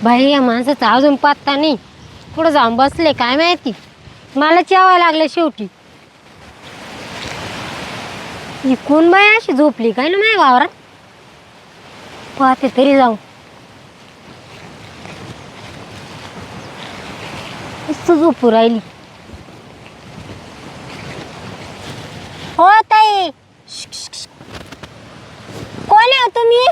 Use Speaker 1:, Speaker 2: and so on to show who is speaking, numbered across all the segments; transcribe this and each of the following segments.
Speaker 1: बाई या माणसाचा अजून पत्ता नाही. कुठं जाऊन बसले काय माहिती. मला जेवायला लागले शेवटी. ही कोण बाई अशी झोपली काय ना माझ्या वावरात. पाहते तरी जाऊ. मस्त झोपू राहिली. हो ताई. कोण आहे तुम्ही?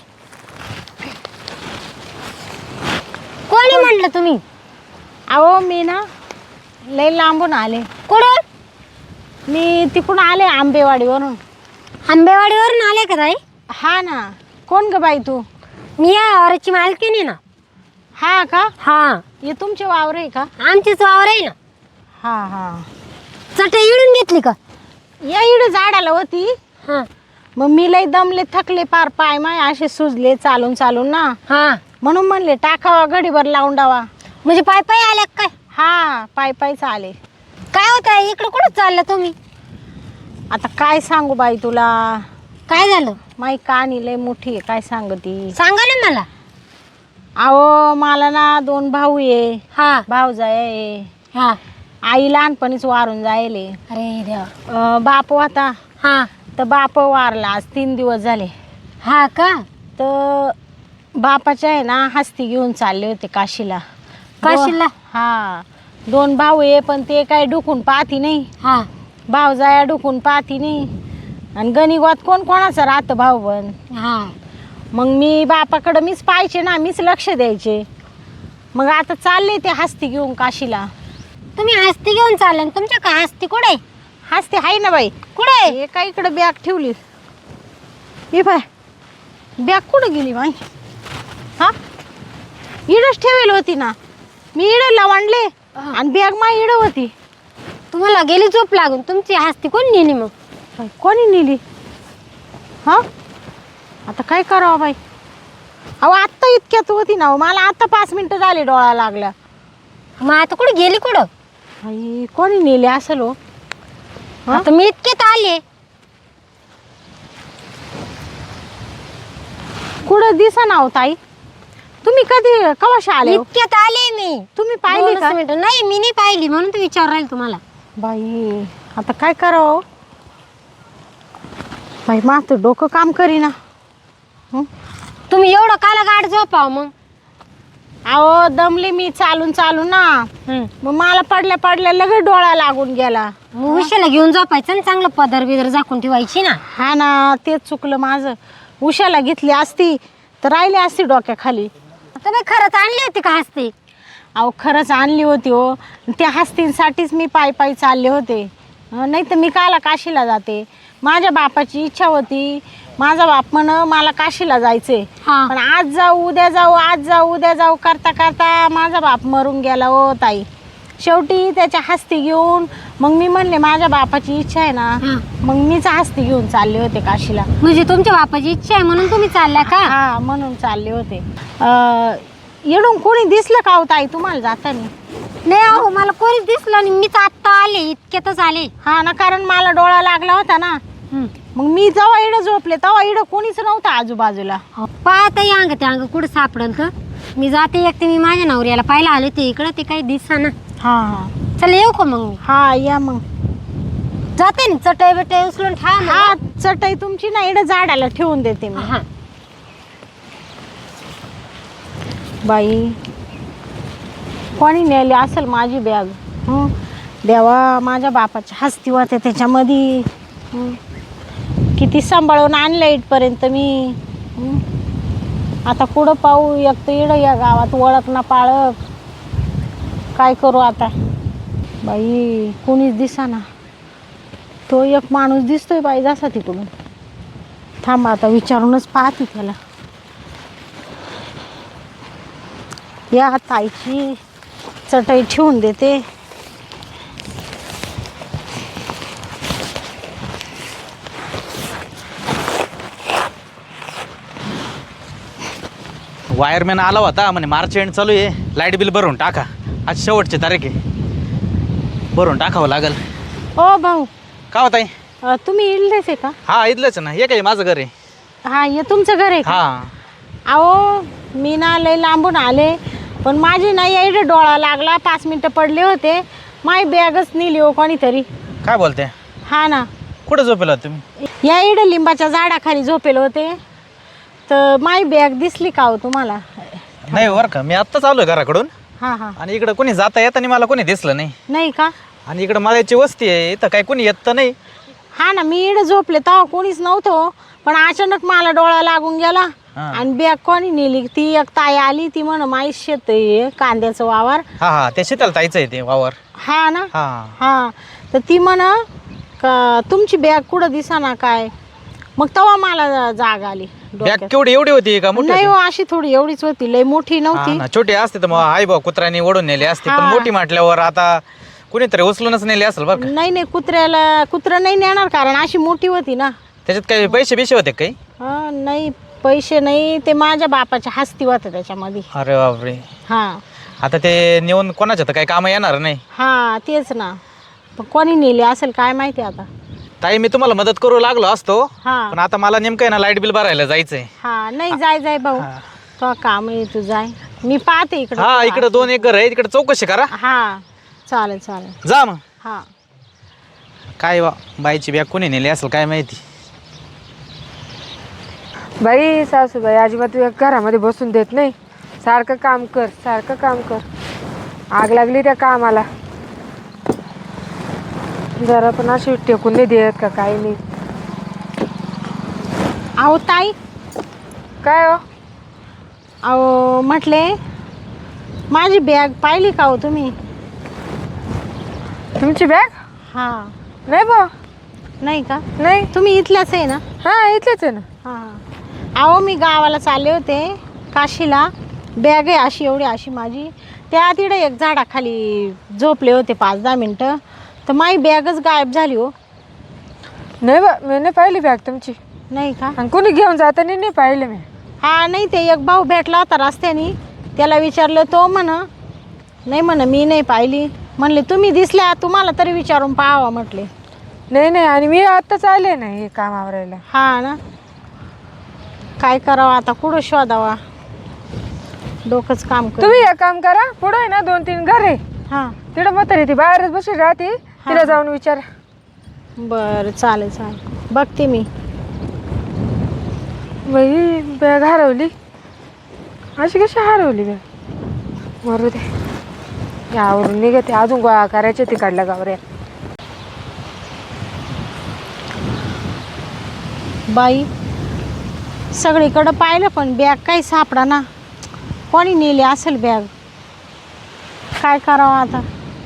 Speaker 1: कोणी म्हटलं तुम्ही?
Speaker 2: अहो मी ना लई लांबून आले.
Speaker 1: कुठून?
Speaker 2: मी तिकडून आले आंबेवाडीवरून.
Speaker 1: आंबेवाडीवरून आले का ताई?
Speaker 2: हा ना. कोण ग बाई तू?
Speaker 1: मी या वावराची मालकीण ना.
Speaker 2: हा का?
Speaker 1: हा
Speaker 2: हे तुमचे वावर आहे का?
Speaker 1: आमचीच वावर आहे ना.
Speaker 2: हा हा.
Speaker 1: चटई इडून घेतली का?
Speaker 2: या इकडे झाडाला होती.
Speaker 1: हा
Speaker 2: मग मी लई दमले थकले पार पाय माय असे सुजले चालून चालून ना.
Speaker 1: हा
Speaker 2: म्हणून म्हणले टाकावा घडीभर लावून डावा.
Speaker 1: म्हणजे पाय पाय आल्या काय?
Speaker 2: हा पाय पायच आले.
Speaker 1: काय होत आहे इकडं कुठं चाललं तुम्ही?
Speaker 2: आता काय सांगू बाई तुला.
Speaker 1: काय झालं?
Speaker 2: माई कानी लय मोठी आहे काय सांगती.
Speaker 1: सांगा ना मला.
Speaker 2: अहो मला ना 2 भाऊ आहे.
Speaker 1: हा
Speaker 2: भाऊजाई आहे.
Speaker 1: हा.
Speaker 2: आई लहानपणीच वारून जायले.
Speaker 1: अरे देवा.
Speaker 2: बाप होता
Speaker 1: हा
Speaker 2: तर बाप वारला आज 3 दिवस झाले.
Speaker 1: हा का?
Speaker 2: तर बापाच्या आहे ना हस्ती घेऊन चालले होते काशीला.
Speaker 1: काशीला?
Speaker 2: हा 2 भाऊ आहे पण ते काय डुकून पाहती नाही.
Speaker 1: हा
Speaker 2: भाऊजाया डुकून पाहती नाही. आणि गणिगोत कोण कोणाचं राहतं भाऊ बन.
Speaker 1: हा.
Speaker 2: मग मी बापाकडं मीच पाहायचे ना मीच लक्ष द्यायचे. मग आता चालले ते हस्ती घेऊन काशीला.
Speaker 1: तुम्ही हस्ती घेऊन चालले ना? तुमच्या का हस्ती कुठे?
Speaker 2: हस्ती आहे ना बाई.
Speaker 1: कुठे?
Speaker 2: हे काय इकडं बॅग ठेवली. हे बाय बॅग कुठं गेली बाई? हा इडच ठेवेल होती ना. मी इड लावणले आणि बॅग मा इड होती.
Speaker 1: तुम्हाला गेली झोप लागून. तुमची हस्ती कोण नेली मग?
Speaker 2: बाई, कोणी नेली? हा आता काय करावं बाई. अहो आत्ता इतक्यात होती ना. मला आता 5 मिनिटं झाले डोळा लागला.
Speaker 1: मग आता कुठे गेली कुठं?
Speaker 2: बाई कोणी नेली असेल हो.
Speaker 1: आता मी इतक्यात आले.
Speaker 2: कुठं दिसा ना हो ताई. तुम्ही कधी कवाशी आले हो?
Speaker 1: इतक्यात आले मी.
Speaker 2: तुम्ही पाहिली का?
Speaker 1: नाही मी नाही पाहिली म्हणून तर विचार राहील तुम्हाला.
Speaker 2: बाई आता काय करावं बाई. माझं डोकं काम करीना.
Speaker 1: तुम्ही एवढं काला गाड झोपाव मग.
Speaker 2: अहो दमले मी चालून चालून ना. मग मला पडल्या पडल्या लगेच डोळा लागून गेला.
Speaker 1: मग उशाला घेऊन झोपायचं ना. चांगलं पदर बिदर झाकून ठेवायची ना.
Speaker 2: हा ना तेच चुकलं माझं. उशाला घेतली असती तर राहिली असती डोक्याखाली.
Speaker 1: तुम्ही खरंच आणली होती का हस्ती?
Speaker 2: अहो खरंच आणली होती हो. त्या हस्तींसाठीच मी पायी पायी चालले होते. नाही तर मी काला काशीला जाते. माझ्या बापाची इच्छा होती. माझा बाप म्हण मला काशीला जायचंय. पण आज जाऊ उद्या जाऊ आज जाऊ उद्या जाऊ करता करता माझा बाप मरून गेला हो ताई. शेवटी त्याच्या हस्ती घेऊन मग मी म्हणले माझ्या बापाची इच्छा आहे ना. मग मीच हस्ती घेऊन चालले होते काशीला.
Speaker 1: म्हणजे तुमच्या बापाची इच्छा आहे म्हणून तुम्ही चालल्या का?
Speaker 2: हा म्हणून चालले होते. येडून कोणी दिसलं का हो ताई तुम्हाला जाताना?
Speaker 1: नाही अहो मला कोणीच दिसलं नाही. मीच आत्ता आले. इतक्यातच आले.
Speaker 2: हा ना कारण मला डोळा लागला होता ना. मग मी जेव्हा इडं झोपले तेव्हा इडं कोणीच नव्हतं आजूबाजूला.
Speaker 1: पाहता अंग ते अंग कुठं सापडल तर. मी जाते एकटे. मी माझ्या नवऱ्याला पाहायला आले ते इकडं. ते काही दिसा ना.
Speaker 2: हा हा
Speaker 1: चल येऊ का मग मी?
Speaker 2: हा या मग.
Speaker 1: जाते ना. चटई बिटई उचलून ठेवा.
Speaker 2: हा चटई तुमची ना इडं झाडाला ठेवून देते मी.
Speaker 1: हा
Speaker 2: बाई कोणी नेली असेल माझी बॅग. देवा माझ्या बापाच्या हस्ती होते त्याच्यामध्ये. किती सांभाळून आणलं इथपर्यंत मी. आता कुठं पाहू. एक तर इडं या गावात ओळख ना पाळक. काय करू आता बाई. कोणीच दिसाना. तो एक माणूस दिसतोय बाई जसा तिकडून. थांबा आता विचारूनच पाहते त्याला. या ताईची चटई ठेवून देते.
Speaker 3: वायरमॅन आला होता म्हणे मार्च एंड चालू आहे. लाईट बिल भरून टाका. आज शेवटची तारीख आहे. भरून टाकावं लागेल.
Speaker 2: ओ भाऊ
Speaker 3: का होत आहे?
Speaker 2: तुम्ही इडलेच आहे का?
Speaker 3: हा इथलंच ना. हे काय माझं घर आहे.
Speaker 2: हा हे तुमचं घर आहे का?
Speaker 3: हा
Speaker 2: अहो मी ना लय लांबून आले. पण माझी नाही एवढे डोळा लागला, 5 मिनटं पडले होते, माई बॅगच नेली हो कोणीतरी.
Speaker 3: काय बोलते?
Speaker 2: हा ना,
Speaker 3: कुठं झोपेला होता तुम्ही?
Speaker 2: या इकडे लिंबाच्या झाडाखाली झोपेले होते, तर माई बॅग दिसली का हो तुम्हाला?
Speaker 3: नाही बरं का, मी आत्ताच आलोय घराकडून
Speaker 2: हां हां.
Speaker 3: आणि इकडं कोणी जाता येताना मला कोणी दिसलं नाही.
Speaker 2: नाही का?
Speaker 3: आणि इकडं माळ्याची वस्ती आहे, इथं काय कोणी येत तर नाही.
Speaker 2: हा ना, मी इकडे झोपले तेव्हा कोणीच नव्हतं, पण अचानक मला डोळा लागून गेला
Speaker 3: हा.
Speaker 2: आणि बॅग कोणी नेली? ती एक ताई आली, ती म्हण माई शेत आहे कांद्याचं वावर.
Speaker 3: हा हा, ते शीतल ताईचं आहे ते वावर.
Speaker 2: हा ना.
Speaker 3: हा
Speaker 2: हा, तर ती म्हण का तुमची बॅग कुठं दिसाना काय? मग तेव्हा मला जाग आली
Speaker 3: बॅग
Speaker 2: डोक्यात.
Speaker 3: केवढी एवढी होती का मोठी
Speaker 2: नाही
Speaker 3: होती?
Speaker 2: हो, अशी थोडी एवढीच होती, लय मोठी
Speaker 3: हा
Speaker 2: नव्हती.
Speaker 3: ना, छोटी असते तर मग आई बा कुत्र्याने ओढून नेली असते, पण
Speaker 2: हा.
Speaker 3: मोठी म्हटल्यावर आता कुणीतरी उचलूनच नेली असेल बरं का.
Speaker 2: नाही नाही, कुत्रं नाही नेणार, कारण अशी मोठी होती ना.
Speaker 3: त्याच्यात काही पैसे बिशे होते काही?
Speaker 2: हा, नाही पैसे नाही, ते माझ्या बापाच्या हस्ती होतं त्याच्यामध्ये.
Speaker 3: अरे बापरे.
Speaker 2: हा
Speaker 3: आता ते नेऊन कोणाच्या तर काही काम येणार नाही.
Speaker 2: हा, तेच ना. पण कोणी नेले असेल काय माहिती आता.
Speaker 3: ताई मी तुम्हाला मदत करू लागलो असतो,
Speaker 2: हा
Speaker 3: पण आता मला नेमकं आहे ना लाईट बिल भरायला जायचंय.
Speaker 2: हा, नाही जाय भाऊ, तो काम आहे, तू जाय, मी पाहते इकडं.
Speaker 3: हा, इकडे 2 एकर आहे, तिकडे चौकशी करा.
Speaker 2: हा, चालेल.
Speaker 3: जा मग.
Speaker 2: हा,
Speaker 3: काय बा बाईची बॅग कोणी नेली असेल काय माहिती.
Speaker 4: बाई सासूबाई अजिबात घरामध्ये बसून देत नाही. सारखं काम कर. आग लागली त्या कामाला, जरा पण अशी टेकून नाही देत का काही नाही.
Speaker 2: अहो ताई,
Speaker 4: काय हो?
Speaker 2: अहो म्हटले माझी बॅग पाहिली का हो तुम्ही?
Speaker 4: तुमची बॅग?
Speaker 2: हा.
Speaker 4: नाही बा.
Speaker 2: नाही का?
Speaker 4: नाही.
Speaker 2: तुम्ही इथल्याच आहे ना?
Speaker 4: हा, इथलेच आहे ना.
Speaker 2: हा. अहो मी गावाला चालले होते काशीला, बॅग आहे अशी एवढी अशी माझी, त्या तिकडे एक झाडाखाली झोपले होते 5-10 मिनटं, तर माझी बॅगच गायब झाली हो.
Speaker 4: नाही बा, मी नाही पाहिली बॅग तुमची.
Speaker 2: नाही का?
Speaker 4: आणि कोणी घेऊन जाताना नाही पाहिलं मी.
Speaker 2: हा, नाही ते एक भाऊ भेटला होता रस्त्याने, त्याला विचारलं, तो नाही म्हण मी नाही पाहिली. म्हणले तुम्ही दिसल्या, तुम्हाला तरी विचारून पाहावं म्हटले.
Speaker 4: नाही, आणि मी आत्ताच आले ना हे काम आवरायला.
Speaker 2: हा ना, काय करावं आता, कुठं शोधावा, डोकंच काम कर.
Speaker 4: तुम्ही एक काम करा, पुढे आहे ना 2-3 घर आहे,
Speaker 2: हा,
Speaker 4: तिकडं म्हातारी ती बाहेरच बसून राहते, तिला जाऊन विचारा.
Speaker 2: बरं चालेल, बघते मी.
Speaker 4: बाई बॅग हरवली, अशी कशी हरवली बॅग? मरू दे, यावरून निघते, अजून गोळा करायचे तिकडल्या गावऱ्या.
Speaker 2: बाई सगळीकडं पाहिलं पण बॅग काही सापडा ना. कोणी नेली असेल बॅग, काय करावं आता,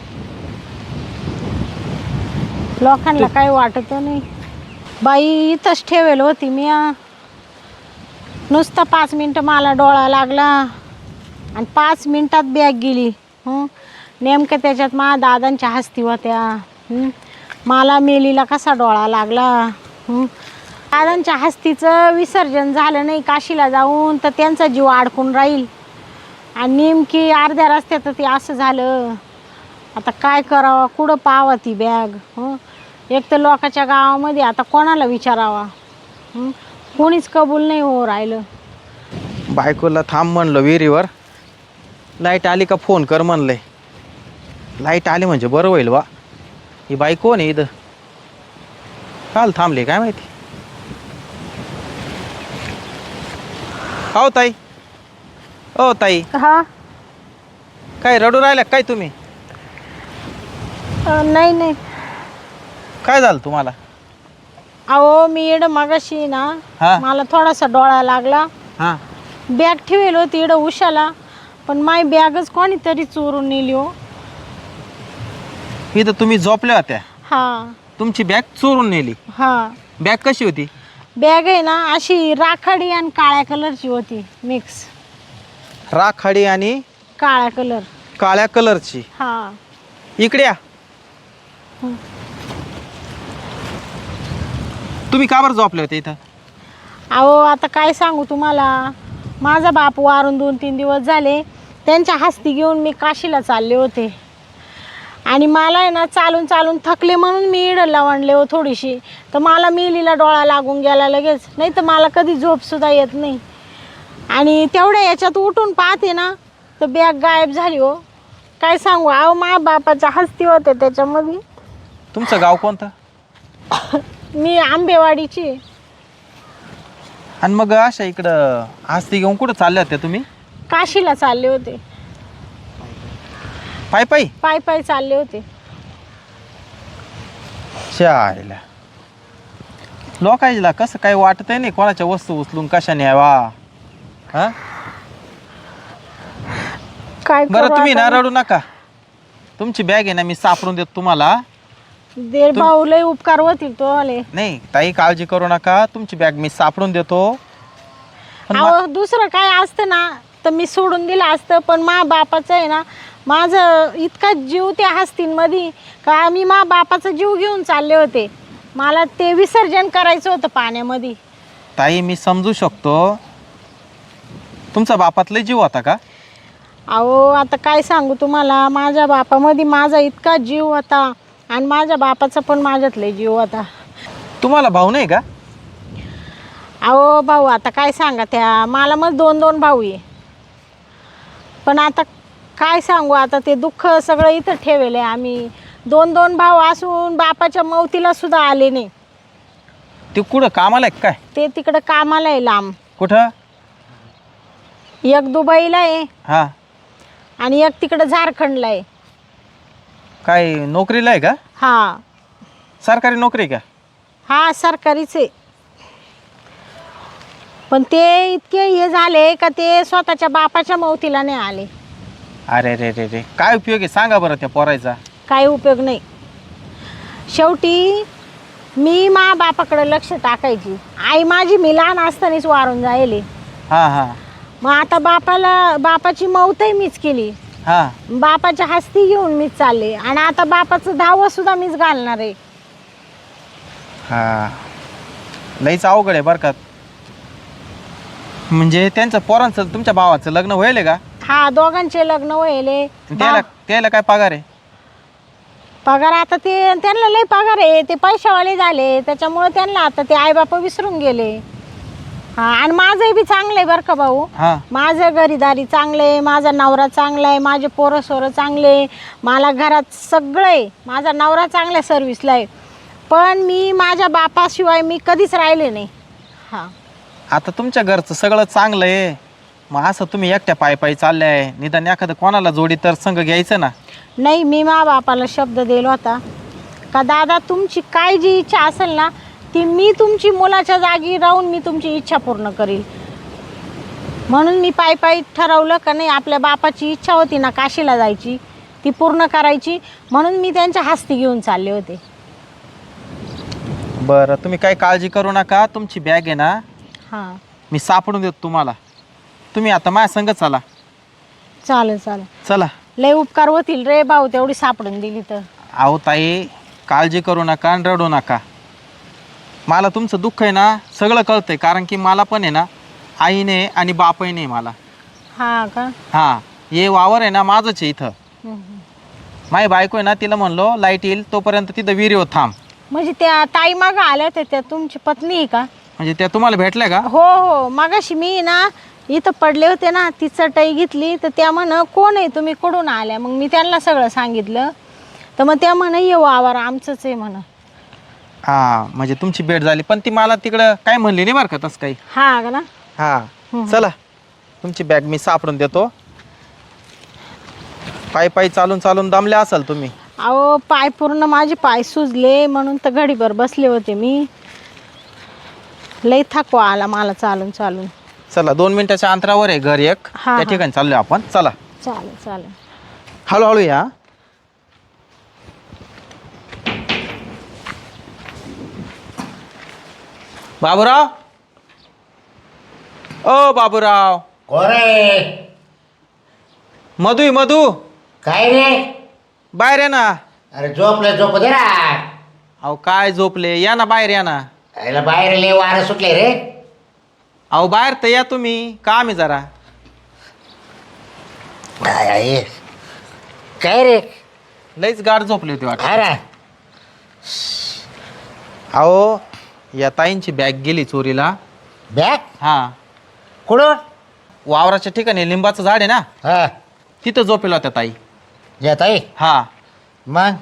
Speaker 2: लोकांना काही वाटत नाही. बाई इथंच ठेवेल होती मी, नुसतं 5 मिनटं मला डोळा लागला आणि 5 मिनटात बॅग गेली. नेमकं त्याच्यात माझ्या दादांच्या हस्ती होत्या. मला मेलीला कसा डोळा लागला. दादांच्या हस्तीचं विसर्जन झालं नाही काशीला जाऊन, तर त्यांचा जीव अडकून राहील, आणि नेमकी अर्ध्या रस्त्यात ते असं झालं. आता काय करावं, कुठं पाहावं ती बॅग? एक तर लोकांच्या गावामध्ये आता कोणाला विचारावा, कोणीच कबूल नाही हो राहिलं.
Speaker 3: बायकोला थांब म्हणलं विहिरीवर, लाईट आली का फोन कर म्हणलंय. लाईट आली म्हणजे बरं होईल बा. ही बाई कोण आहे इथं, काल थांबले काय माहिती. हो ताई, ओ ताई,
Speaker 4: हा,
Speaker 3: काय रडू राहिल्या काय तुम्ही?
Speaker 2: नाही,
Speaker 3: काय झालं तुम्हाला?
Speaker 2: अहो मी इकडं मगाशी ना,
Speaker 3: हा.
Speaker 2: मला थोडासा डोळा लागला.
Speaker 3: हां,
Speaker 2: बॅग ठेवेल होती इकडं उशाला, पण माय बॅगच कोणीतरी चोरून नेली हो.
Speaker 3: इथं तुम्ही झोपल्या होत्या,
Speaker 2: हा
Speaker 3: तुमची बॅग चोरून नेली.
Speaker 2: हा,
Speaker 3: बॅग कशी होती?
Speaker 2: बॅग आहे ना अशी राखाडी आणि काळ्या कलरची होती, मिक्स
Speaker 3: राखाडी आणि
Speaker 2: काळ्या कलर.
Speaker 3: काळ्या कलरची.
Speaker 2: हा,
Speaker 3: इकडे या. तुम्ही का बरं झोपले होते इथं?
Speaker 2: अहो आता काय सांगू तुम्हाला, माझा बाप वारून 2-3 दिवस झाले, त्यांच्या हस्ती घेऊन मी काशीला चालले होते, आणि मला आहे ना चालून थकले म्हणून मी इडं लावणले हो थोडीशी, तर मला मेलीला डोळा लागून गेला लगेच. नाही तर मला कधी झोपसुद्धा येत नाही. आणि तेवढ्या याच्यात उठून पाहते ना, तर बॅग गायब झाली हो. काय सांगू अहो, मा बापाच्या हस्ती होते त्याच्यामध्ये.
Speaker 3: तुमचं गाव कोणतं?
Speaker 2: मी आंबेवाडीची आहे.
Speaker 3: आणि मग अशा इकडं हस्ती घेऊन कुठं चालल्या होत्या तुम्ही?
Speaker 2: काशीला चालले होते.
Speaker 3: पायी पायी?
Speaker 2: पाय पाय चालले होते.
Speaker 3: शाळेला लोकायला कसं काही वाटत नाही कोणाच्या वस्तू उचलून कशा न्यावा. हा
Speaker 2: काय
Speaker 3: बरं
Speaker 2: करू
Speaker 3: तुम्ही ना
Speaker 2: आता?
Speaker 3: रडू नका. तुमची बॅग आहे ना मी सापडून देतो तुम्हाला.
Speaker 2: देर भाऊ लय उपकार होतील तो आले.
Speaker 3: नाही ताई काळजी करू नका. तुमची बॅग मी सापडून देतो. पण
Speaker 2: अहो दुसरं काय असतं ना तर मी सोडून दिलं असतं, पण मा बापाचं आहे ना, माझं इतका जीव त्या हस्तींमध्ये का मी मा बापाचा जीव घेऊन चालले होते. मला ते विसर्जन करायचं होतं पाण्यामध्ये.
Speaker 3: ताई मी समजू शकतो. तुमचा बापातला जीव होता का?
Speaker 2: अहो आता काय सांगू तुम्हाला, माझ्या बापामध्ये माझा इतका जीव होता आणि माझ्या बापाचा पण माझ्यातले जीव होता.
Speaker 3: तुम्हाला भाऊ नाही का?
Speaker 2: अहो भाऊ आता काय सांगा, त्या मला मग 2 भाऊ आहे. पण आता काय सांगू, आता ते दुःख सगळं इथं ठेवले आम्ही. 2 भाऊ असून बापाच्या मौतीला सुद्धा आले नाही.
Speaker 3: ते कुठं कामाला आहे काय?
Speaker 2: ते तिकडं कामाला आहे लांब.
Speaker 3: कुठं?
Speaker 2: एक दुबईला आहे
Speaker 3: हा
Speaker 2: आणि एक तिकडं झारखंडला आहे.
Speaker 3: काय नोकरीला आहे का?
Speaker 2: हा
Speaker 3: सरकारी नोकरी का?
Speaker 2: हा सरकारीच आहे. पण ते इतके हे झाले का ते स्वतःच्या बापाच्या मौतीला नाही आले.
Speaker 3: अरे रे रे रे काय उपयोग आहे सांगा बरं त्या पोरायचा.
Speaker 2: काही उपयोग नाही. शेवटी मी मा बापाकडे लक्ष टाकायची. आई माझी मी लहान असतानाच वारून जायले.
Speaker 3: हा हा
Speaker 2: मग आता बापाची मौतही मीच केली.
Speaker 3: हा
Speaker 2: बापाच्या हस्ती घेऊन मीच चालले आणि आता बापाचं 10वं सुद्धा मीच घालणार आहे.
Speaker 3: हा लईच अवघड आहे बरं का. म्हणजे त्यांचं पोरांचं तुमच्या भावाचं लग्न होईल का?
Speaker 2: हा दोघांचे लग्न व्हायले.
Speaker 3: त्याला काय पगार आहे?
Speaker 2: पगार आता ते त्यांना लय पगार आहे. ते पैशावाले झाले त्याच्यामुळे त्यांना आता ते आईबापा विसरून गेले. हा आणि माझंही बी चांगलं आहे बरं का भाऊ.
Speaker 3: हा
Speaker 2: माझं घरीदारी चांगलं आहे, माझा नवरा चांगला आहे, माझे पोरं सोरं चांगले, मला घरात सगळं आहे, माझा नवरा चांगल्या सर्व्हिसला आहे. पण मी माझ्या बापाशिवाय मी कधीच राहिले नाही. हां
Speaker 3: आता तुमच्या घरचं सगळं चांगलं आहे, मग असं तुम्ही एकट्या पायी चालल्याय, निदान एखादं कोणाला जोडी तर संग घ्यायचं ना.
Speaker 2: नाही, मी मा बापाला शब्द दिला होता का दादा तुमची काय जी इच्छा असेल ना ती मी तुमची मुलाच्या जागी राहून मी तुमची इच्छा पूर्ण करील. म्हणून मी पायी ठरवलं का नाही आपल्या बापाची इच्छा होती ना काशीला जायची ती पूर्ण करायची, म्हणून मी त्यांच्या हस्ती घेऊन चालले होते.
Speaker 3: बरं तुम्ही काही काळजी करू नका. तुमची बॅग आहे ना
Speaker 2: हां
Speaker 3: मी सापडून देतो तुम्हाला. तुम्ही आता माझ्या संग चला.
Speaker 2: चालेल चालेल.
Speaker 3: चला.
Speaker 2: लय उपकार होतील रे भाऊ तेवढी सापडून दिली तर.
Speaker 3: अहो ताई काळजी करू नका आणि रडू नका. मला तुमचं दुःख आहे ना सगळं कळतंय, कारण की मला पण आहे ना आईने आणि बापही नाही मला.
Speaker 2: हां का?
Speaker 3: हां हे वावर आहे ना माझंच आहे इथं. माझी बायको आहे ना तिला म्हणलो लाईट येईल तोपर्यंत तिथं विहिरीवर थांब.
Speaker 2: म्हणजे त्या ताई मागं आल्या होत्या त्या तुमची पत्नी आहे का?
Speaker 3: म्हणजे त्या तुम्हाला भेटल्या का?
Speaker 2: हो हो मगाशी मी ना इथं पडले होते ना ती चटई घेतली तर त्या म्हण कोण आहे तुम्ही कुठून आल्या. मग मी त्यांना सगळं सांगितलं तर मग त्या म्हण ये वावर आमचंच आहे म्हण.
Speaker 3: हां म्हणजे तुमची भेट झाली, पण ती मला तिकडं काय म्हणली नाही बरं का तसं काही.
Speaker 2: हा का ना?
Speaker 3: हां चला तुमची बॅग मी सापडून देतो. पायी चालून दमल्या असाल तुम्ही.
Speaker 2: अहो पाय पूर्ण माझे पाय सुजले म्हणून तर घडीभर बसले होते मी. लई थकवा आला मला चालून.
Speaker 3: चला 2 मिनिटाच्या अंतरावर आहे घर एक,
Speaker 2: हा,
Speaker 3: त्या ठिकाणी चाललोय आपण. चला
Speaker 2: चालेल.
Speaker 3: हळूहळू या. बाबूराव, ओ बाबूराव.
Speaker 5: कोरे
Speaker 3: मधू
Speaker 5: काय रे?
Speaker 3: बाहेर या ना.
Speaker 5: अरे झोप दे ना.
Speaker 3: अहो काय झोपले, या ना बाहेर या ना.
Speaker 5: याला बाहेर लय वारं सुटले रे.
Speaker 3: अहो बाहेर तर या तुम्ही, काम आहे जरा.
Speaker 5: काय रे?
Speaker 3: लईच गाढ झोपली होती वाटत.
Speaker 5: काय रे?
Speaker 3: अहो या ताईंची बॅग गेली चोरीला.
Speaker 5: बॅग
Speaker 3: हा
Speaker 5: कुठून?
Speaker 3: वावराच्या ठिकाणी लिंबाचं झाड आहे ना
Speaker 5: हा
Speaker 3: तिथं झोपेल होत्या ताई.
Speaker 5: येत आहे
Speaker 3: हा.
Speaker 5: मग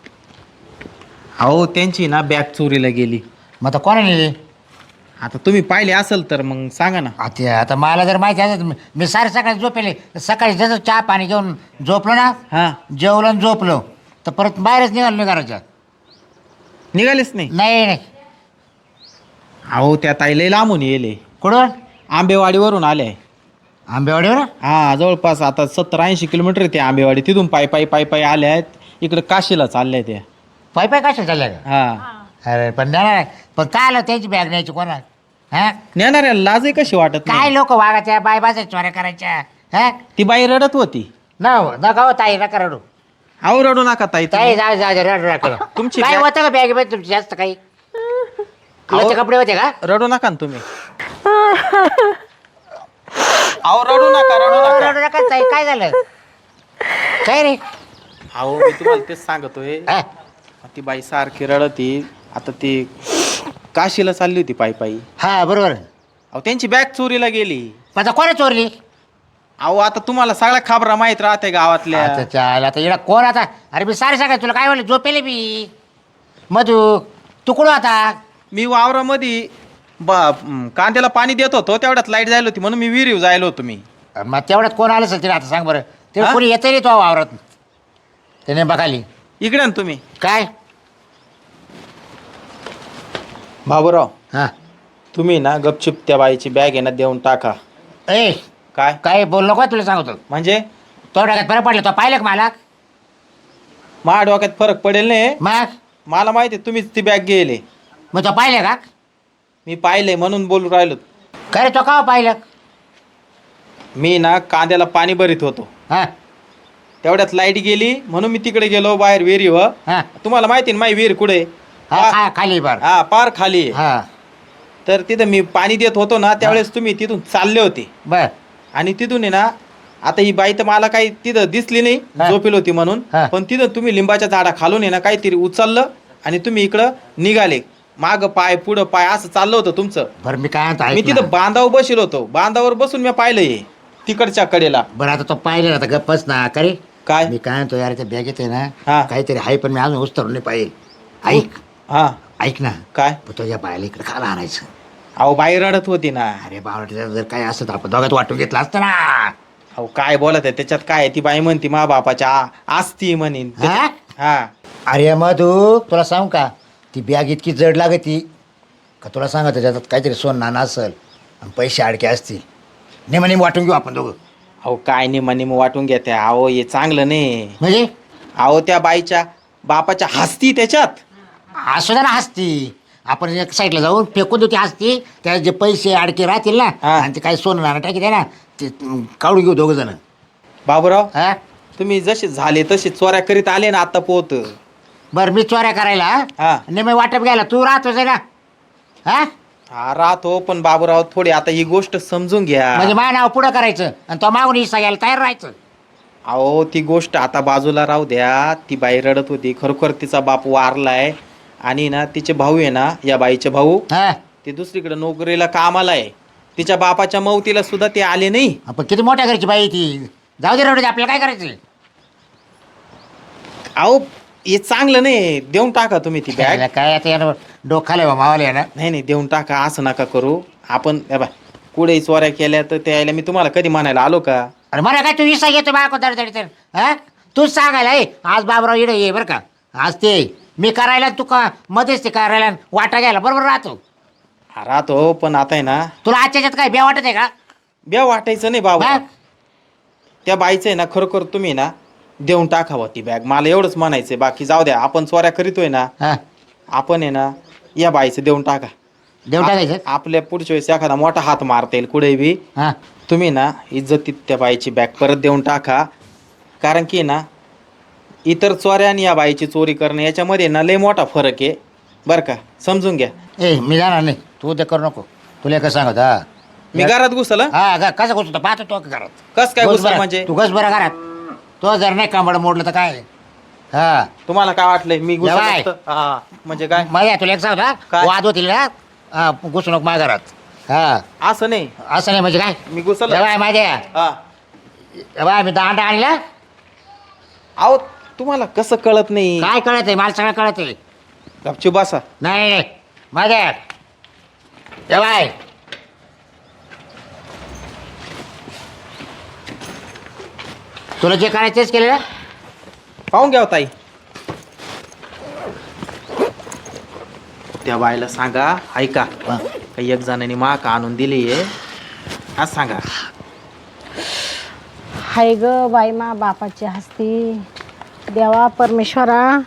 Speaker 3: अहो त्यांची ना बॅग चोरीला गेली.
Speaker 5: मग आता कोणा नेली?
Speaker 3: आता तुम्ही पाहिले असेल तर मग सांगा ना.
Speaker 5: आता मला जर माहिती असेल मी सारे सकाळी झोपेले सकाळी जसं चहा पाणी घेऊन झोपलो ना
Speaker 3: हा.
Speaker 5: जेवलो आणि झोपलो तर परत बाहेरच निघालो नाही घराच्या.
Speaker 3: निघालेच नाही.
Speaker 5: नाही नाही.
Speaker 3: अहो त्या ताई लय लांबून येले.
Speaker 5: कुठून?
Speaker 3: आंबेवाडीवरून आले.
Speaker 5: आंबेवाडीवर?
Speaker 3: हा जवळपास आता 70-80 किलोमीटर ते आंबेवाडी. तिथून पायी पायी पायी पायी आल्या आहेत. इकडे काशीला चालल्या त्या.
Speaker 5: पाय पाय कशा चालल्या का?
Speaker 3: हा.
Speaker 5: अरे पण नाही पण काय आलं त्यांची बॅग न्यायची कोणा? हा
Speaker 3: नेणाऱ्या लाजही कशी वाटत
Speaker 5: काय
Speaker 3: नाही.
Speaker 5: लोक वागायच्या बाय बाजाच्या चोऱ्या करायच्या? हा
Speaker 3: ती बाई रडत होती.
Speaker 5: नका हो ताई नका रडू.
Speaker 3: अहो रडू नका ताई
Speaker 5: ताई
Speaker 3: तुम्ही.
Speaker 5: जाऊ जाऊ रडू नका.
Speaker 3: तुमची
Speaker 5: काय
Speaker 3: बॅग-
Speaker 5: होतं का बॅगेमध्ये तुमची जास्त काही? तुमचे कपडे होते का?
Speaker 3: रडू नका ना तुम्ही. अहो रडू नका रडू नका.
Speaker 5: रडू नका ताई काय झालं? काय रे?
Speaker 3: अहो मी तुम्हाला तेच सांगतोय.
Speaker 5: हा?
Speaker 3: ती बाई सारखी रडती. आता ती काशीला चालली होती पायी पायी.
Speaker 5: हा बरोबर.
Speaker 3: अहो त्यांची बॅग चोरीला गेली.
Speaker 5: पण आता कोणा चोरली?
Speaker 3: अहो आता तुम्हाला सगळ्या खबरा माहित राहते गावातल्या.
Speaker 5: आता चाल आता इकडं कोण आता? अरे मी सारे सगळं तुला काय म्हणलं झोपेले मी. मधू तू कुठं आता?
Speaker 3: मी वावरामध्ये कांद्याला पाणी देत होतो तेवढ्यात लाईट जायला होती म्हणून मी विहिरीव जायला होतो मी.
Speaker 5: मग तेवढ्यात कोण आलं असेल तिला आता सांग बरं. ते
Speaker 3: हा?
Speaker 5: कोणी येतं रे तो वावरात त्याने बघाली
Speaker 3: इकडे ना तुम्ही.
Speaker 5: काय?
Speaker 3: बाबूराव
Speaker 5: हा
Speaker 3: तुम्ही ना गपचिप त्या बाईची बॅग आहे ना देऊन टाका.
Speaker 5: ए
Speaker 3: काय
Speaker 5: काय बोल नको तुला सांगतो.
Speaker 3: म्हणजे
Speaker 5: तो डोक्यात फरक पडला तो पाहिलं का मला?
Speaker 3: माझ्या डोक्यात फरक पडेल नाही.
Speaker 5: मग
Speaker 3: मला माहिती आहे तुम्हीच ती बॅग गेले.
Speaker 5: मग तो पाहिलं का?
Speaker 3: मी पाहिलंय म्हणून बोलू राहिलो.
Speaker 5: काय रे तो का पाहिलं?
Speaker 3: मी ना कांद्याला पाणी भरीत होतो
Speaker 5: हा
Speaker 3: तेवढ्यात लाईट गेली म्हणून मी तिकडे गेलो बाहेर विहिरीवर.
Speaker 5: हा
Speaker 3: तुम्हाला माहिती ना माझी विहीर कुठे?
Speaker 5: हा खाली बार.
Speaker 3: हा पार खाली आहे.
Speaker 5: हा
Speaker 3: तर तिथं मी पाणी देत होतो ना त्यावेळेस तुम्ही तिथून चालले होते
Speaker 5: बर.
Speaker 3: आणि तिथून आहे ना आता ही बाई तर मला काही तिथं दिसली नाही
Speaker 5: हा.
Speaker 3: झोपेल होती म्हणून.
Speaker 5: हा.
Speaker 3: पण तिथं तुम्ही लिंबाच्या झाडा खालून आहे ना काहीतरी उचललं आणि तुम्ही इकडं निघाले. माग पाय पुढं पाय असं चाललं होतं तुमचं.
Speaker 5: बरं मी काय म्हणतो
Speaker 3: मी
Speaker 5: ऐक ना.
Speaker 3: तिथं बांधावर बसेल होतो. बांधावर बसून मी पाहिलंय तिकडच्या कडेला.
Speaker 5: बरं आता तो पाहिलं ना आता गप्पच ना का रे?
Speaker 3: काय?
Speaker 5: मी काय म्हणतो यार त्या बॅगेत आहे
Speaker 3: हा.
Speaker 5: ना काहीतरी आहे पण मी अजून उस्तरून नाही पाहिजे. ऐक
Speaker 3: हा
Speaker 5: ऐक ना.
Speaker 3: काय?
Speaker 5: पण तुझ्या बायला इकडे खाला आणायचं.
Speaker 3: अहो बाई रडत होती ना.
Speaker 5: अरे बाबा जर काय असतं तर आपण दोघात वाटून घेतलं असतं ना.
Speaker 3: अहो काय बोलत आहे त्याच्यात काय आहे? ती बाई म्हणती मा बापाच्या आस्ती म्हणीन.
Speaker 5: हा?
Speaker 3: हा
Speaker 5: अरे मधू तुला सांगू का ती बॅग इतकी जड लागती का तुला सांगा त्याच्यात काहीतरी सोन नाणं असेल आणि पैसे अडके असतील. नेमाने वाटून घेऊ आपण दोघं.
Speaker 3: अहो काय निम वाटून घेते. अहो हे चांगलं नाही.
Speaker 5: म्हणजे
Speaker 3: अहो त्या बाईच्या बापाच्या हस्ती त्याच्यात.
Speaker 5: असू दे ना हसती. आपण एक साईडला जाऊन फेकून देऊ ती हसती त्यात जे पैसे अडके राहतील ना
Speaker 3: हा.
Speaker 5: आणि ते काही सोनं नाणं टाकी दे ना ते काढून घेऊ दोघं जण.
Speaker 3: बाबूराव
Speaker 5: हा
Speaker 3: तुम्ही जसे झाले तसे चोऱ्या करीत आले ना आता पोहत.
Speaker 5: बरं मी चोऱ्या करायला
Speaker 3: हा.
Speaker 5: नेहमी वाटप घ्यायला तू राहतोस आहे ना? हा
Speaker 3: हा राहतो पण बाबूराव थोडी आता ही गोष्ट समजून घ्या.
Speaker 5: म्हणजे माझं नाव पुढं करायचं आणि तो मागून हिस्सा घ्यायला तयार राहायचं.
Speaker 3: अहो ती गोष्ट आता बाजूला राहू द्या. ती बाई रडत होती. खरोखर तिचा बाप वारलाय आणि ना तिचे भाऊ आहे ना या बाईचे भाऊ
Speaker 5: हा
Speaker 3: ते दुसरीकडे नोकरीला कामाला आहे. तिच्या बापाच्या मौतीला सुद्धा ते आले नाही.
Speaker 5: आपण किती मोठ्या घरची बाई आहे ती. जाऊ दे रडू दे आपल्याला काय करायचं.
Speaker 3: अहो हे चांगलं नाही. देऊन टाका तुम्ही ती बॅग.
Speaker 5: काय आता यानं डोखाले बा मावाले ना.
Speaker 3: नाही देऊन टाका. असं नका करू. आपण हे बघ कुठेही चोऱ्या केल्या तर त्याला मी तुम्हाला कधी म्हणायला आलो का?
Speaker 5: अरे मला काय तू हिस्सा घेतो बाळा दडदडी तर हा तूच सांगायला आज बाबराव इडे ये बरं का. आज ते मी करायला तू का मध्येच ते करायला वाटा घ्यायला बरोबर राहतो.
Speaker 3: हा, राहतो पण आता आहे ना
Speaker 5: तुला आजच्याच्यात काय बे वाटत आहे का?
Speaker 3: ब्या वाटायचं नाही बाबा.
Speaker 5: हा?
Speaker 3: त्या बाईचं आहे ना खरोखर तुम्ही ना देऊन टाकावं ती बॅग. मला एवढंच म्हणायचंय. बाकी जाऊ द्या. आपण चोऱ्या करीतोय ना
Speaker 5: हा
Speaker 3: आपण आहे ना या बाईचं देऊन टाका.
Speaker 5: देऊन टाकायचं.
Speaker 3: आपल्या पुढच्या वेळेस एखादा मोठा हात मारता येईल कुठे बी.
Speaker 5: हा
Speaker 3: तुम्ही ना इज्जतीत त्या बाईची बॅग परत देऊन टाका. कारण की ना इतर चोऱ्या आणि या बाईची चोरी करणं याच्यामध्ये ना लय मोठा फरक आहे बरं का. समजून घ्या.
Speaker 5: ए मी जाणार नाही तू ते करू नको. तुला कसं सांगत हा
Speaker 3: मी घरात घुसल.
Speaker 5: हा कसं घुसतो पाहतो तो घरात.
Speaker 3: कस काय
Speaker 5: घुस
Speaker 3: घुसल
Speaker 5: बरं.
Speaker 3: म्हणजे?
Speaker 5: तू घस बरं घरात. तो जर नाही कांबड मोडलं तर काय. हा
Speaker 3: तुम्हाला काय वाटलंय मी घुसल
Speaker 5: जवाय.
Speaker 3: असतं? हा म्हणजे काय
Speaker 5: माझ्या तुला एक सांगतो
Speaker 3: काय?
Speaker 5: वाद होतील ना हा घुसू नको माझ्या घरात. हा
Speaker 3: असं नाही.
Speaker 5: असं नाही म्हणजे काय
Speaker 3: मी घुसल.
Speaker 5: जवाय माझ्या
Speaker 3: हा
Speaker 5: बाय मी दांडा आणला.
Speaker 3: अहो तुम्हाला कसं कळत नाही?
Speaker 5: काय कळत आहे? मला सगळं कळत आहे.
Speaker 3: गपचूप बसा.
Speaker 5: नाही नाही माझ्या बाय तुला जे करायचं तेच केलं ना.
Speaker 3: पाहून घ्या हो ताई. त्या बायला सांगा ऐका काही एक जणांनी माक आणून दिली आहे आज सांगा.
Speaker 2: हाय ग बाई मा बापाची हस्ती. देवा परमेश्वरा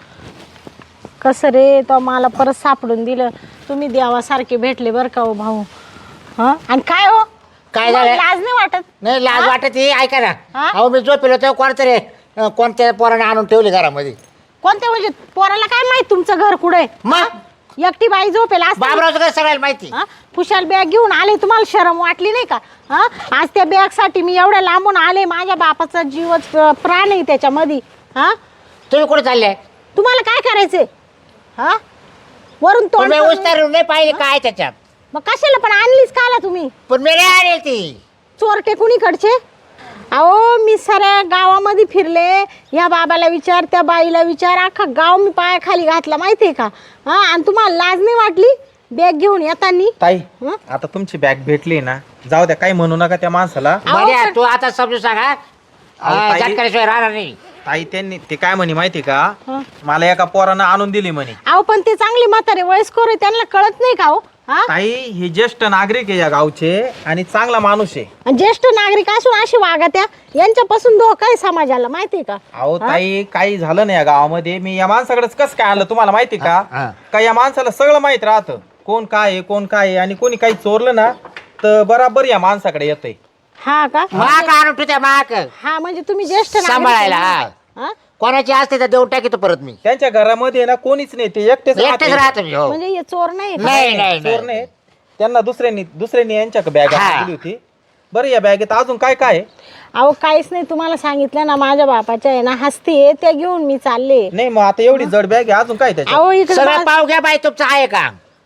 Speaker 2: कसं रे तो मला परत सापडून दिलं. तुम्ही देवासारखे भेटले बरं का हो भाऊ. हां आणि काय हो
Speaker 5: काय
Speaker 2: तुम्हाला
Speaker 5: झालं?
Speaker 2: लाज नाही वाटत?
Speaker 5: नाही लाज
Speaker 2: हा?
Speaker 5: वाटत ही ऐका ना.
Speaker 2: हा?
Speaker 5: अहो मी झोपेलो तेव्हा कोणतरी कोणत्या पोराने आणून ठेवले घरामध्ये.
Speaker 2: कोणत्या म्हणजे पोराला काय माहित तुमचं घर कुठे?
Speaker 5: मग
Speaker 2: एकटी बाई झोपेल असते.
Speaker 5: बाबरावचं काय सगळ्याला माहिती.
Speaker 2: हा? खुशाल बॅग घेऊन आले, तुम्हाला शरम वाटली नाही का? हा आज त्या बॅगसाठी मी एवढ्या लांबून आले. माझ्या बापाचा जीवच प्राण आहे त्याच्यामध्ये. हा
Speaker 5: तुम्ही कुठे चालले?
Speaker 2: तुम्हाला काय करायचंय? हा वरून तोंड
Speaker 5: तुम्ही
Speaker 2: करून-
Speaker 5: उस्तार नाही पाहिले काय त्याच्यात.
Speaker 2: मग कशाला पण आणलीच का आला तुम्ही?
Speaker 5: पण मी नाही आणली ती.
Speaker 2: चोरटे कुणीकडचे? अहो मी साऱ्या गावामध्ये फिरले. या बाबाला विचार, त्या बाईला विचार, अख्खा गाव मी पायाखाली घातला माहितीये का? हा आणि तुम्हाला लाज नाही वाटली बॅग घेऊन येतानी?
Speaker 3: ताई
Speaker 2: हं?
Speaker 3: आता तुमची बॅग भेटली ना, जाऊ द्या काही म्हणू नका त्या माणसाला.
Speaker 5: बऱ्या तू आता समजून सांगा.
Speaker 3: अहो, ताई-
Speaker 5: झटकल्याशिवाय राहणार नाही.
Speaker 3: ताई त्यांनी ते काय म्हणे माहिती का,
Speaker 2: हं?
Speaker 3: मला एका पोरानं आणून दिली म्हणे.
Speaker 2: अहो पण ते चांगले म्हातारे वयस्कर आहे, त्यांना कळत नाही का हो? हा
Speaker 3: ताई हे ज्येष्ठ नागरिक आहे या गावचे आणि चांगला माणूस आहे.
Speaker 2: आणि ज्येष्ठ नागरिक असून अशी वागत्या, यांच्यापासून धोका आहे समाजाला माहितीये का?
Speaker 3: अहो ताई काही झालं नाही या गावामध्ये. मी या माणसाकडेच कसं काय आलं तुम्हाला माहिती
Speaker 5: हा.
Speaker 3: का? का या माणसाला सगळं माहित राहतं, कोण काय आहे कोण काय आहे, आणि कोणी काही चोरलं ना तर बराबर या माणसाकडे येतंय.
Speaker 2: हा का?
Speaker 5: माक आणून ठेवत्या माक
Speaker 2: हा म्हणजे तुम्ही ज्येष्ठ नागरिक आहे
Speaker 5: सांभाळायला.
Speaker 2: ना? हा?
Speaker 5: कोणाची असते तर देऊन टाकीतो परत मी.
Speaker 3: त्यांच्या घरामध्ये ना कोणीच नाही, ते एकटेच
Speaker 5: एकटेच
Speaker 3: राहते.
Speaker 5: राहतो मी. हो.
Speaker 2: म्हणजे हे चोर नाही का?
Speaker 5: नाही नाही
Speaker 3: चोर
Speaker 5: नाही.
Speaker 3: नाही. त्यांना दुसऱ्यांनी यांच्या बॅग
Speaker 5: हा.
Speaker 3: दिली होती. बरं या बॅगेत अजून काय काय आहे?
Speaker 2: अहो काहीच नाही, तुम्हाला सांगितलं ना माझ्या बापाच्या आहे ना हस्ती आहे, त्या घेऊन मी चालले.
Speaker 3: नाही मग आता एवढी जड बॅग आहे, अजून काय त्याच्यात?
Speaker 2: अहो इकडे
Speaker 5: सगळं पाव घ्या बाई तुमचं आहे का?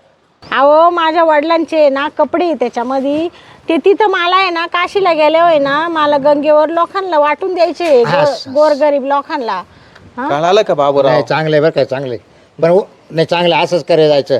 Speaker 2: अहो माझ्या वडिलांचे ना कपडे आहे त्याच्यामध्ये. ते तिथं मला आहे ना काशीला गेले होय ना, मला गंगेवर लोकांना वाटून द्यायचे, गोरगरीब लोकांना. हा?
Speaker 3: कळालं का बाबूराव?
Speaker 5: नाही चांगलं आहे बरं काय चांगलं आहे. पण नाही चांगलं असंच करे जायचं.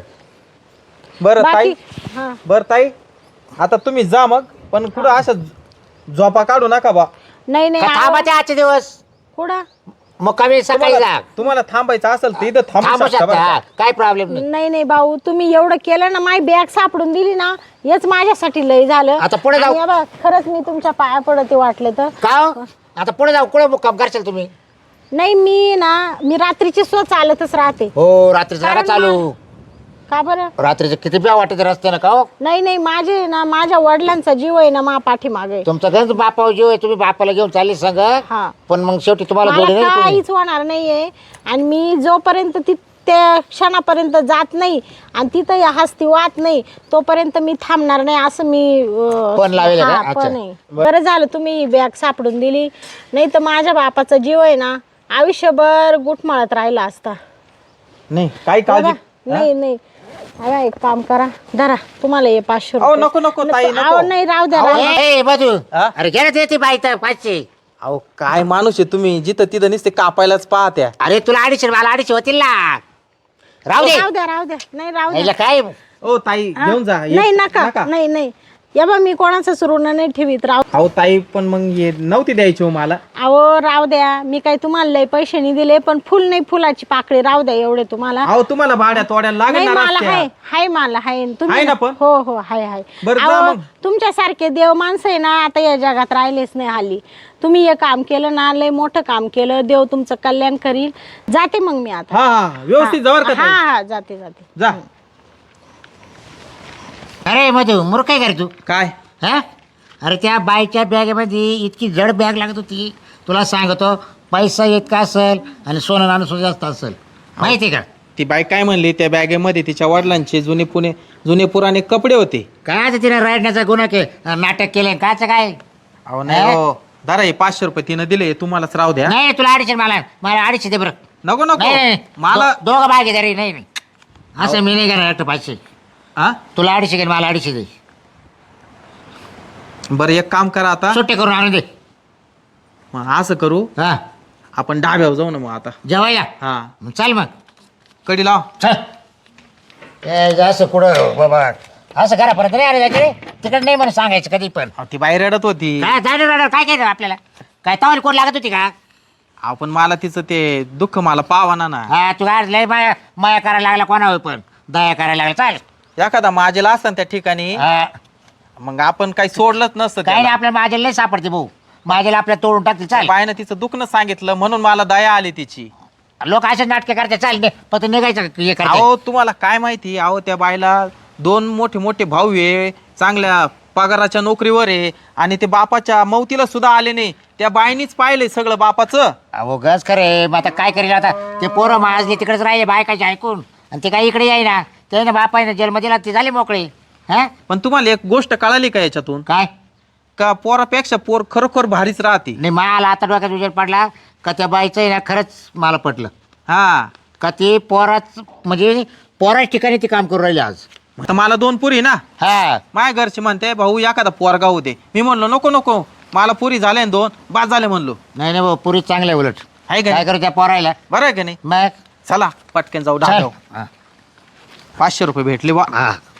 Speaker 3: बरं ताई,
Speaker 2: बाकी हा
Speaker 3: बरं ताई आता तुम्ही जा मग, पण कुठं असं झोपा काढू नका बा.
Speaker 2: नाही नाही
Speaker 5: का
Speaker 2: अहो,
Speaker 5: थांबाचे आजचे दिवस.
Speaker 2: कुठं?
Speaker 5: मग कमी सकाळी जा.
Speaker 3: तुम्हाला थांबायचं असेल तर इथं थांबू
Speaker 5: थांबू
Speaker 3: शकता
Speaker 5: शकता
Speaker 3: बरं
Speaker 5: हा,
Speaker 3: का?
Speaker 5: काय प्रॉब्लेम नाही.
Speaker 2: नाही नाही भाऊ, तुम्ही एवढं केलं ना, माझी बॅग सापडून दिली ना, हेच माझ्यासाठी लय झालं.
Speaker 5: आता पुढे जाऊ.
Speaker 2: आणि हे बघ, खरंच मी तुमच्या पाया पडते वाटलं तर.
Speaker 5: का हो? आता पुढे जाऊ कुठे मुक्काम करशाल तुम्ही?
Speaker 2: नाही मी रात्रीची चालतच राहते.
Speaker 5: हो रात्री जरा
Speaker 2: कारण
Speaker 5: चालू.
Speaker 2: का बरं?
Speaker 5: रात्रीचं किती प्या वाटत रस्ते ना का हो?
Speaker 2: नाही नाही माझे ना, माझ्या वडिलांचा जीव आहे ना मा पाठीमागे.
Speaker 5: तुमचा गंज बापावर जीव आहे, तुम्ही बापाला घेऊन चालले सांग.
Speaker 2: हा.
Speaker 5: पण मग शेवटी तुम्हाला जोडी
Speaker 2: मला
Speaker 5: नाही कोणी.
Speaker 2: काहीच होणार नाहीये. आणि मी जोपर्यंत त्या क्षणापर्यंत जात नाही आणि तिथं या हस्ती वाहत नाही तोपर्यंत मी थांबणार नाही, असं मी
Speaker 5: पण लावेल का?
Speaker 2: हा,
Speaker 5: अच्छा.
Speaker 2: पण आहे. बरं झालं तुम्ही बॅग सापडून दिली, नाही तर माझ्या बापाचा जीव आहे ना आयुष्यभर गुटमाळत राहिला असता.
Speaker 3: नाही काही काळजी.
Speaker 2: बघा, नाही नाही अरे एक काम करा, धरा तुम्हाला हे 500
Speaker 3: अहो
Speaker 2: रुपये.
Speaker 3: नको ताई
Speaker 2: अहो
Speaker 3: नको.
Speaker 2: नाही राहू द्या, राहू द्या.
Speaker 5: ए मधू
Speaker 3: हा?
Speaker 5: अरे घे ना ते बाई तर 500.
Speaker 3: अहो काय माणूस आहे तुम्ही, जिथं तिथं नुसते कापायलाच पाहत्या.
Speaker 5: अरे तुला 250 मला 250 होतील ना. राहू दे.
Speaker 2: राहू द्या राहू द्या, नाही राहू द्या.
Speaker 5: याला काय
Speaker 3: ओ ताई
Speaker 2: हा?
Speaker 3: घेऊन जा.
Speaker 2: नाही नका नाही नाही, या बा मी कोणाचाच ऋण नाही ठेवीत. राहू
Speaker 3: अहो ताई पण मग हे नव्हती द्यायची हो मला.
Speaker 2: अहो राहू द्या, मी काही तुम्हाला लय पैसे नाही दिले, पण फुल नाही फुलाची पाकळी राहू द्या एवढे तुम्हाला.
Speaker 3: अहो तुम्हाला भाड्या तोड्याला
Speaker 2: नाही
Speaker 3: लागणार
Speaker 2: मला
Speaker 3: असत्या.
Speaker 2: हाय मला हाय.
Speaker 3: आहे ना पण?
Speaker 2: हो हो हाय.
Speaker 3: बरं, जा
Speaker 2: अहो,
Speaker 3: मग.
Speaker 2: तुमच्यासारखे देव माणसं आहे ना आता या जगात राहिलेच नाही हल्ली. तुम्ही हे काम केलं ना, लय मोठं काम केलं, देव तुमचं कल्याण करील. जाते मग मी आता.
Speaker 3: हा व्यवस्थित जवळ का
Speaker 2: हा
Speaker 3: ताई?
Speaker 2: हा जाते
Speaker 3: जा.
Speaker 5: अरे मधू मूर्ख काय करे तू?
Speaker 3: काय
Speaker 5: हा? अरे त्या बाईच्या बॅगेमध्ये इतकी जड बॅग लागत होती, तुला सांगतो पैसा इतका असेल आणि सोनं नाणं सुद्धा जास्त असेल माहिती का?
Speaker 3: ती बाई काय म्हणली, त्या बॅगेमध्ये तिच्या वडिलांचे जुने पुराणे कपडे होते.
Speaker 5: काय ते तिने रडण्याचा गुन्हा नाटक केलं काच काय?
Speaker 3: अहो नाही हो, धरा हे 500 रुपये तिनं दिले, तुम्हालाच राहू द्या.
Speaker 5: नाही तुला 250 मला 250 दे बरं.
Speaker 3: नको नको
Speaker 5: नाही
Speaker 3: मला.
Speaker 5: दोघं भागीदारी नाही असं मी नाही करणार. 500
Speaker 3: हा
Speaker 5: तुला 250 घे मला 250 दे.
Speaker 3: बरं एक काम करा आता,
Speaker 5: सुट्टे करून आणून दे.
Speaker 3: मग असं करू,
Speaker 5: हा
Speaker 3: आपण डाब्यावर जाऊ ना मग आता.
Speaker 5: जेवायला
Speaker 3: हा
Speaker 5: मग चल मग
Speaker 3: कडी लाव.
Speaker 5: चल असं कुठं बाबा असं करा परत नाही आले जायचे तिकडे नाही म्हणून सांगायचं कधी पण.
Speaker 3: अहो, ती बाई रडत होती.
Speaker 5: काय जाणार काय काय आपल्याला काय तवाली कोण लागत होती का?
Speaker 3: आपण मला तिचं ते दुःख मला पावाना ना.
Speaker 5: हा तू काय लय माया करायला लागला कोणावर पण दया करायला लागला. चाल
Speaker 3: एखादा माझेला असतं ना त्या ठिकाणी,
Speaker 5: हा.
Speaker 3: मग आपण काही सोडलंच नसतं
Speaker 5: काय नाही
Speaker 3: त्याला.
Speaker 5: आपल्या माझ्याला नाही सापडते भाऊ. माझ्याला आपल्या तोडून टाकते. चाल
Speaker 3: बाईनं तिचं दुखणं सांगितलं म्हणून मला दया आली तिची.
Speaker 5: लोक असे नाटके करते. चाल फक्त निघायचं हे करते.
Speaker 3: अहो तुम्हाला काय माहिती, अहो त्या बाईला 2 मोठे मोठे भाऊ आहे, चांगल्या पगाराच्या नोकरीवर आहे, आणि ते बापाच्या मौतीला सुद्धा आले नाही. त्या बाईनीच पाहिलंय सगळं बापाचं.
Speaker 5: अहो गज खरे मग आता काय करेल आता ते पोरं माजले तिकडेच राहिले बायकाचे ऐकून आणि ते काही इकडे येईना. ते ना बाप आहे ना जन्मदिला ते झाले मोकळे. हा
Speaker 3: पण तुम्हाला एक गोष्ट कळाली का याच्यातून,
Speaker 5: काय
Speaker 3: का पोरापेक्षा पोर खरोखर भारीच राहते.
Speaker 5: नाही मला आता डोक्यात विचार पडला का त्या बाईचं आहे ना खरंच मला पटलं
Speaker 3: हा
Speaker 5: का ते पोराच म्हणजे पोराच ठिकाणी ते काम करू राहिले आज.
Speaker 3: आता मला 2 पुरी ना,
Speaker 5: हा
Speaker 3: माझ्या घरचे म्हणते भाऊ एखादा पोरगा होते. मी म्हणलो नको नको, मला पुरी झाले 2 बाद झाले म्हणलो.
Speaker 5: नाही नाही भाऊ पुरी चांगलं आहे उलट.
Speaker 3: आहे का
Speaker 5: काय
Speaker 3: नाही?
Speaker 5: करू त्या पोरायला
Speaker 3: बरं आहे का नाही?
Speaker 5: मग
Speaker 3: चला पटकन जाऊ
Speaker 5: चल.
Speaker 3: डाब्यावर.
Speaker 5: हा.
Speaker 3: 500 रुपये भेटले बा.
Speaker 5: हा